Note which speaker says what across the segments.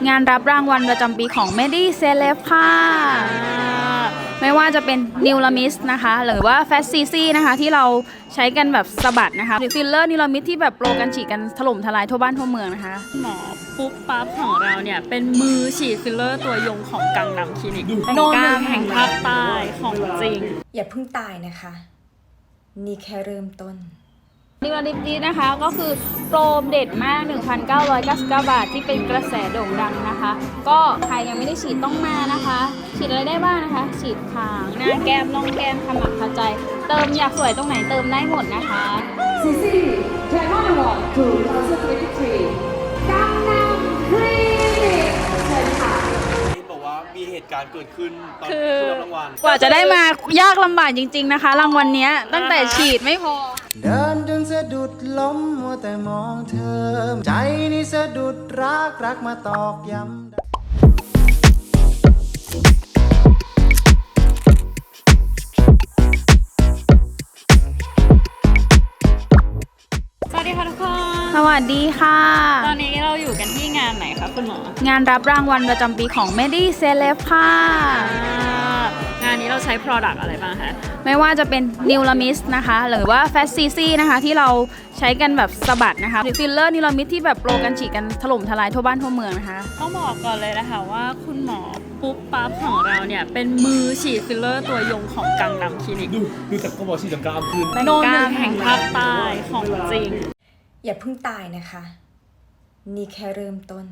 Speaker 1: งานรับรางวัลประจำปีของ Medi Celeb ค่ะไม่ว่าจะเป็นนิวลามิสนะคะหรือว่าแฟตซีซี่นะคะที่เราใช้กันแบบสะบัดนะคะหรือฟิลเลอร์นิวลามิสที่แบบโปรกันฉีดกันถล่มทลายทั่วบ้านทั่วเมืองนะคะ
Speaker 2: หมอปุ๊บปั๊บของเราเนี่ยเป็นมือฉีดฟิลเลอร์ตัวยงของกังนำคลินิกโนหนึ่งแห่งภาคใต้ของจริง
Speaker 3: อย่าเพิ่งตายนะคะ นี่แค่เริ่มต้น
Speaker 1: นิวลามิสนี้นะคะก็คือโปรเด็ดมาก 1,999 บาทที่เป็นกระแสโด่งดังนะคะก็ใครยังไม่ได้ฉีดต้องมานะคะฉีดอะไรได้บ้างนะคะฉีดขางหน้าแก้มน่องแก้มขมับขใจเติมอยากสวยตรงไหนเติมได้หมดนะคะ
Speaker 4: ซีซีแทนอวอร์ด2023กังนำคลินิกเชิญค่ะ
Speaker 5: บอกว่ามีเหตุการณ์เกิดขึ้นตอน
Speaker 1: คือ
Speaker 5: รับรางวัล
Speaker 1: กว่าจะได้มายากลำบากจริงๆนะคะรางวัลนี้ตั้งแต่ฉีดไม่พอ
Speaker 6: เดินจนสะดุดล้มมัวแต่มองเธอใจนี่สะดุดรักมาตอกย้ำ
Speaker 2: สวัสดีค่ะทุกคน
Speaker 1: สวัสดีค่ะ
Speaker 2: ตอนนี้เราอยู่กันที่งานไหนคะคุณหมอง
Speaker 1: านรับรางวัลประจำปีของ Medi Celeb ค่ะ
Speaker 2: งานนี้เราใช้ Product อะไรบ้างคะ
Speaker 1: ไม่ว่าจะเป็นนิวลามิสนะคะหรือว่าแฟตซีซี่นะคะที่เราใช้กันแบบสะบัดนะคะหรือฟิลเลอร์นิวลามิสที่แบบโปรกันฉีดกันถล่มทลายทั่วบ้านทั่วเมืองนะคะ
Speaker 2: ต้องบอกก่อนเลยนะคะว่าคุณหมอปุ๊บปั๊บของเราเนี่ยเป็นมือฉีดฟิลเลอร์ตัวยงของกังนำคลินิก
Speaker 5: ดูจากเขาบอกฉีดจากกล้ามขึ้น
Speaker 2: โนหนึ่งแห่งภาคใต้ของจริง
Speaker 3: อย่าเพิ่งตายนะคะ นี่แค่เริ่มต้น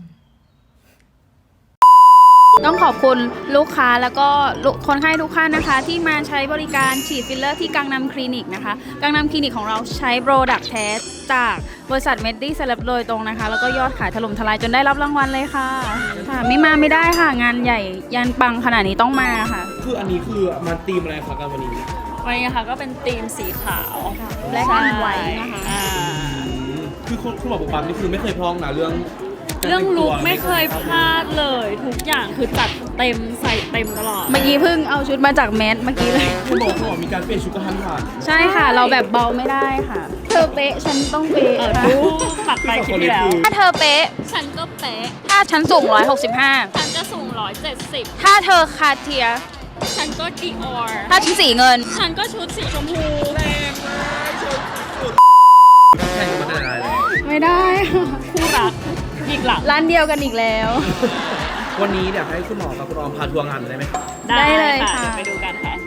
Speaker 1: ต้องขอบคุณลูกค้าแล้วก็คนไข้ทุกท่านนะคะที่มาใช้บริการฉีดฟิลเลอร์ที่กังนำคลินิกนะคะกังนำคลินิกของเราใช้โปรดักต์แท้จากบริษัท Medi Celeb โดยตรงนะคะแล้วก็ยอดขายถล่มทลายจนได้รับรางวัลเลยค่ะไม่มาไม่ได้ค่ะงานใหญ่ยันปังขนาดนี้ต้องมาค่ะ
Speaker 5: คืออันนี้คือมันธีมอะไรคะกันวันนี้
Speaker 2: นะคะก็เป็นธีมสีขาว
Speaker 1: และแอนไว้นะคะ
Speaker 5: คือคุณหมอปุ๊บปั๊บนี่คือไม่เคยพลองนะเรื่อง
Speaker 2: ลุคไม่เคยพลาดเลยทุกอย่างคือจัดเต็มใส่เต็มตลอด
Speaker 1: เมื่อกี้เพิ่งเอาชุดมาจากแมสเมื่อกี้เลย
Speaker 5: คุณหมอมีการเปลี่ยนชุดกระทันหัน
Speaker 1: ใช่ค่ะเราแบบเบาไม่ได้ค่ะเธอเป๊ะฉันต้องเป๊ะค่ะ
Speaker 2: ปัดไปคิดที่แล้ว
Speaker 1: ถ้าเธอเป๊ะ
Speaker 2: ฉันก็เป๊ะ
Speaker 1: ถ้าฉันสูง165
Speaker 2: ฉันจะสูง170
Speaker 1: ถ้าเธอคาเทีย
Speaker 2: ฉันก็ดีออร์
Speaker 1: ถ้าชุดสีเงิน
Speaker 2: ฉันก็ชุดสีชมพู
Speaker 5: แรงมากแข่งกันมาได้เลย
Speaker 1: ไม่ได้
Speaker 2: คู่รักอีกหลัง
Speaker 1: ร้านเดียวกันอีกแล้ว
Speaker 5: วันนี้เดี๋ยวให้คุณหมอกับคุณออมพาทัวร์งานได้ไหมคะ
Speaker 2: ได้เลยค่ะไปดูกันค่ะ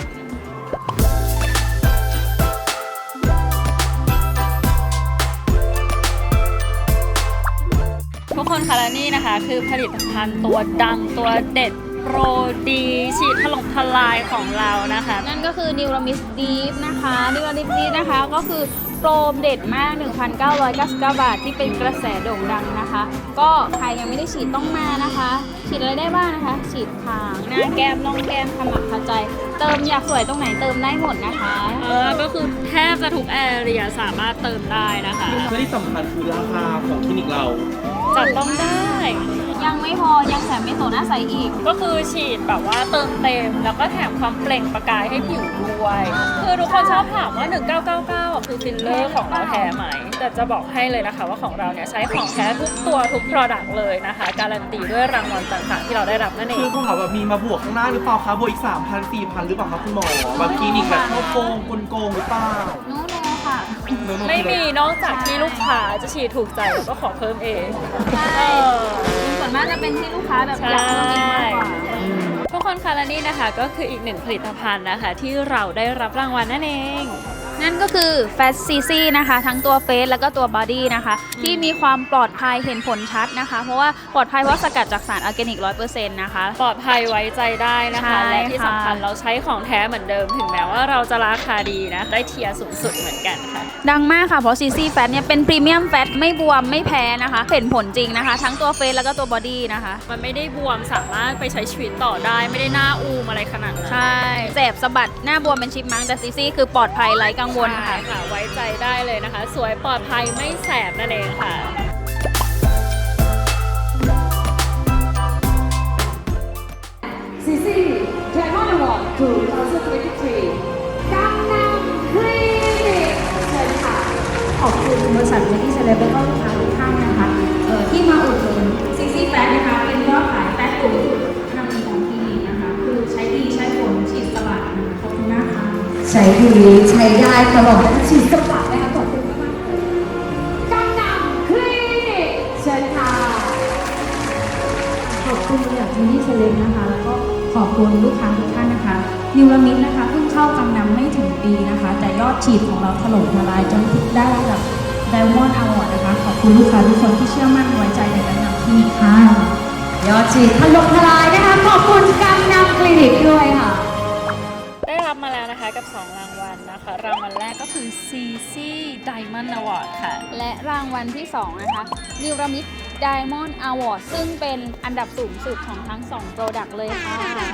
Speaker 2: ทุกคนคะและนี่นะคะคือผลิตภัณฑ์ตัวดังตัวเด็ดโปรดีฉีดถล่มทลายของเรานะคะ
Speaker 1: นั่นก็คือนิวลามิสดีฟนะคะนิวลามิสดีฟนะคะก็คือโปรเด็ดมาก 1,999 บาทที่เป็นกระแสโด่งดังนะคะก็ใครยังไม่ได้ฉีดต้องมานะคะฉีดอะไรได้บ้างนะคะฉีดขางหน้าแก้มน่องแก้มขมับขใจเติมอยากสวยตรงไหนเติมได้หมดนะคะ
Speaker 2: ก็คือแทบจะทุกแอเรียสามารถเติมได้นะคะ
Speaker 5: และที่สำคัญคือราคาของคลินิกเรา
Speaker 2: จับต้องได้
Speaker 1: ยังไม่พอยังแถมเมโซหน้าใสอีก
Speaker 2: ก็คือฉีดแบบว่าเติมเต็มแล้วก็แถมความเปล่งประกายให้ผิวด้วยคือทุกคนชอบถามว่า1999คือฟิลเลอร์ของเราแท้ไหมแต่จะบอกให้เลยนะคะว่าของเราเนี่ยใช้ของแท้ทุกตัวทุก product เลยนะคะการันตีด้วยรางวัลต่างๆที่เราได้รับนั่นเอง
Speaker 5: คือคุณหมอแบบมีมาบวกข้างหน้าหรือเปล่าคะบวกอีก 3,000 4,000 หรือเปล่าคะคุณหมอแบบคลินิกแบบโกงกลงหรือเปล่า
Speaker 1: โน้ตค่ะ
Speaker 2: ไม่มีนอกจากที่ลูกค้าจะฉีดถูกใจแล้วก็ขอเพิ่มเอง
Speaker 1: ใช่ส่วนมากจะเป็นที่ลูกค้าแบบอยากเพิ่มเองมากกว่า
Speaker 2: ทุกคนคะและนี่นะคะก็คืออีกหนึ่งผลิตภัณฑ์นะคะที่เราได้รับรางวัลนั่นเอง
Speaker 1: นั่นก็คือแฟตซีซี่นะคะทั้งตัวเฟสแล้วก็ตัวบอดี้นะคะที่มีความปลอดภัยเห็นผลชัดนะคะเพราะว่าปลอดภัยเพราะสกัดจากสารออร์แกนิก 100% นะคะ
Speaker 2: ปลอดภัยไว้ใจได้นะคะและที่สำคัญเราใช้ของแท้เหมือนเดิมถึงแม้ว่าเราจะราคาดีนะได้เทียร์สูงสุดเหมือนกันค่ะ
Speaker 1: ดังมากค่ะเพราะซีซี่แฟตเนี่ยเป็นพรีเมียมแฟตไม่บวมไม่แพ้นะคะเห็นผลจริงนะคะทั้งตัวเฟสแล้วก็ตัวบอดี้นะคะ
Speaker 2: มันไม่ได้บวมสามารถไปใช้ชีวิตต่อได้ไม่ได้หน้าอูมอะไรขนาดนั้น
Speaker 1: ใช่แสบสะบัดหน้าบวมเป็นชิปมังแต่ซีซี่คือปลอดภัยไร้กังวลค่ะ
Speaker 2: ไว้ใจได้เลยนะคะสวยปลอดภัยไม่แสบนั่นเองค่ะ
Speaker 4: ซีซีแทนอวอร์ด2023กังนำคลินิกเชิญค่ะ
Speaker 3: ขอบคุณบริษัท Medi Celeb และก็ลูกค้าทุกท่านนะคะที่มาอุดหนุนซีซีแฟตนะคะ
Speaker 4: ช้ดีใช้ได้ตลอดฉีดสกัดนะคะขอบคุณมากๆกังนำคลินิกเชิญค่ะ
Speaker 7: ขอบคุณอย่างที่เซเลนนะคะ แล้วก็ขอบคุณลูกค้าทุกท่านนะคะ นิวรามิดนะคะเพิ่งเข้ากังนำไม่ถึงปีนะคะ แต่ยอดฉีดของเราถล่มทลายจนได้ระดับ Diamond Award นะคะ ขอบคุณลูกค้าทุกคนที่เชื่อมั่นไว้ใจในกังนำคลินิกค่ะ
Speaker 4: ยอดฉีดถล่มทลายนะคะ ขอบคุณกังนำคลินิกด้วยค่ะ
Speaker 2: ได้รับมาแล้วนะคะกับ 2 รางวัลนะคะ รางวัลแรกก็คือ CC Diamond Award ค่ะ
Speaker 1: และรางวัลที่ 2 นะคะ นิวรามิด Diamond Award ซึ่งเป็นอันดับสูงสุดของทั้ง 2 Product เลยค่ะ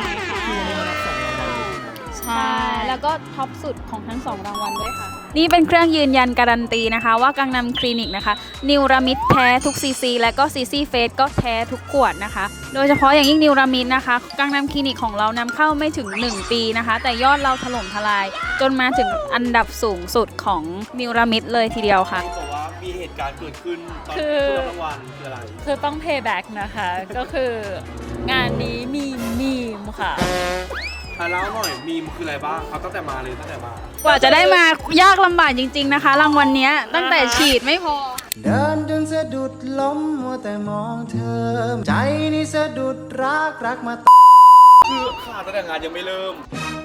Speaker 1: ใช่ แล้วก็ท็อปสุดของทั้ง 2 รางวัลด้วยค่ะ นี่เป็นเครื่องยืนยันการันตีนะคะ ว่ากังนำคลินิกนะคะ นิวรามิดแท้ทุกซีซีและก็ซีซีเฟสก็แท้ทุกขวดนะคะ โดยเฉพาะอย่างยิ่งนิวรามิดนะคะ กังนำคลินิกของเรานำเข้าไม่ถึง 1 ปีนะคะ แต่ยอดเราถล่มทลาย จนมาถึงอันดับสูงสุดของนิวรามิดเลยทีเดียวค่ะ
Speaker 5: บอกว่ามีเหตุการณ์เกิดขึ้นตอน
Speaker 2: คือ
Speaker 5: รับรางวัลคืออะไร
Speaker 2: คือต้อง payback นะคะ ก็คืองานนี้มีมีมค่ะ
Speaker 5: เล่าหน่อยมีมคืออะไรบ้างครับตั้งแต่มาเลยตั้งแต่มา
Speaker 1: กว่าจะได้มายากลำบากจริง ๆนะคะ รางวัลเนี้ยตั้งแต่ฉีดไม่พอ
Speaker 6: เดินจนสะดุดล้มมัวแต่มองเธอ ใจนี่สะดุดรักมา
Speaker 5: คือขาดตั้งแต่งานยังไม่เริ่ม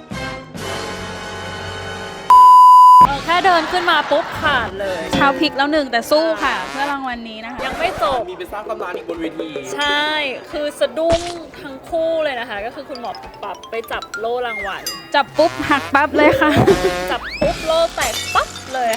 Speaker 2: แค่เดินขึ้นมาปุ๊บขาดเลย
Speaker 1: เช้าพลิกแล้วหนึ่งแต่สู้ค่ะ เพื่อรางวัลนี้นะคะ
Speaker 2: ยังไม่จบ
Speaker 5: มีไปสร้างตำนานอีกบนเวที
Speaker 2: ใช่ คือสะดุ้งทั้งคู่เลยนะคะ ก็คือคุณหมอปรับไปจับโล่รางวัล
Speaker 1: จับปุ๊บหักปั๊บเลยค่ะ
Speaker 2: จับปุ๊บโล่แตกปั๊บเลย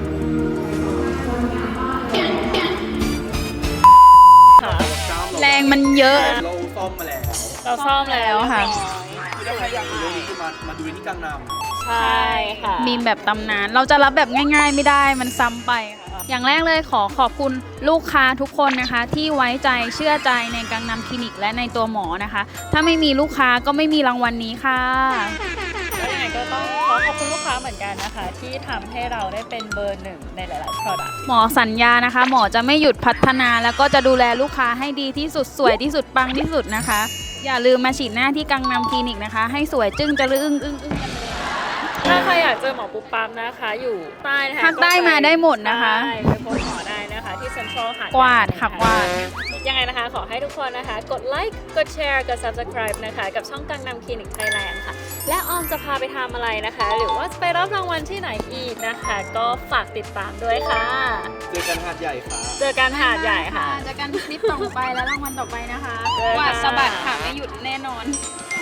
Speaker 2: ค่ะ
Speaker 1: แรงมันเยอะ
Speaker 5: เราซ่อมมาแล้ว
Speaker 2: เราซ่อมแล้ว
Speaker 1: ค่ะ
Speaker 5: คือถ้าใครอยากดูเรื่องนี้คือมาดูที่กังนำ
Speaker 2: ใช่ค่ะ
Speaker 1: มีแบบตำนาน เราจะรับแบบง่าย ๆ ไม่ได้ มันซ้ำไปค่ะอย่างแรกเลยขอขอบคุณลูกค้าทุกคนนะคะ ที่ไว้ใจเชื่อใจในกังนำคลินิกและในตัวหมอนะคะ ถ้าไม่มีลูกค้าก็ไม่มีรางวัลนี้ค่ะ
Speaker 2: แล้วยังไงก็ต้องขอขอบคุณลูกค้าเหมือนกันนะคะ ที่ทำให้เราได้เป็นเบอร์ 1ในหลายๆ product
Speaker 1: หมอสัญญานะคะ หมอจะไม่หยุดพัฒนาแล้วก็จะดูแลลูกค้าให้ดีที่สุดสวยที่สุดปังที่สุดนะคะ อย่าลืมมาฉีดหน้าที่กังนำคลินิกนะคะ ให้สวยจึ้งจะลึ้งอึ้งกันเลย
Speaker 2: ถ้าใครอยากเจอหมอปุ๊บปั๊บนะคะ อยู่ใต้นะคะ
Speaker 1: ภาคใต้มาได้หมดนะคะ
Speaker 2: ใช่ไปพบหมอได้นะคะ ที่เซ็นทรัลหาดใหญ่
Speaker 1: กวาดค่ะกวาด
Speaker 2: ยังไงนะคะ ขอให้ทุกคนนะคะ กดไลค์กดแชร์กด subscribe นะคะ กับช่องกังนำคลินิกไทยแลนด์ค่ะ และออมจะพาไปทำอะไรนะคะ หรือว่าจะไปรับรางวัลที่ไหนอีกนะคะ ก็ฝากติดตามด้วยค่ะ
Speaker 5: เจอกันหาดใหญ่ค่ะ
Speaker 2: เจอกันหาดใหญ่ค่ะ
Speaker 1: เจอกันคลิปต่อไปและรางวัลต่อไปนะคะ
Speaker 2: เจอกัน
Speaker 1: กวาดสะบัดค่ะไม่หยุดแน่นอน
Speaker 2: ค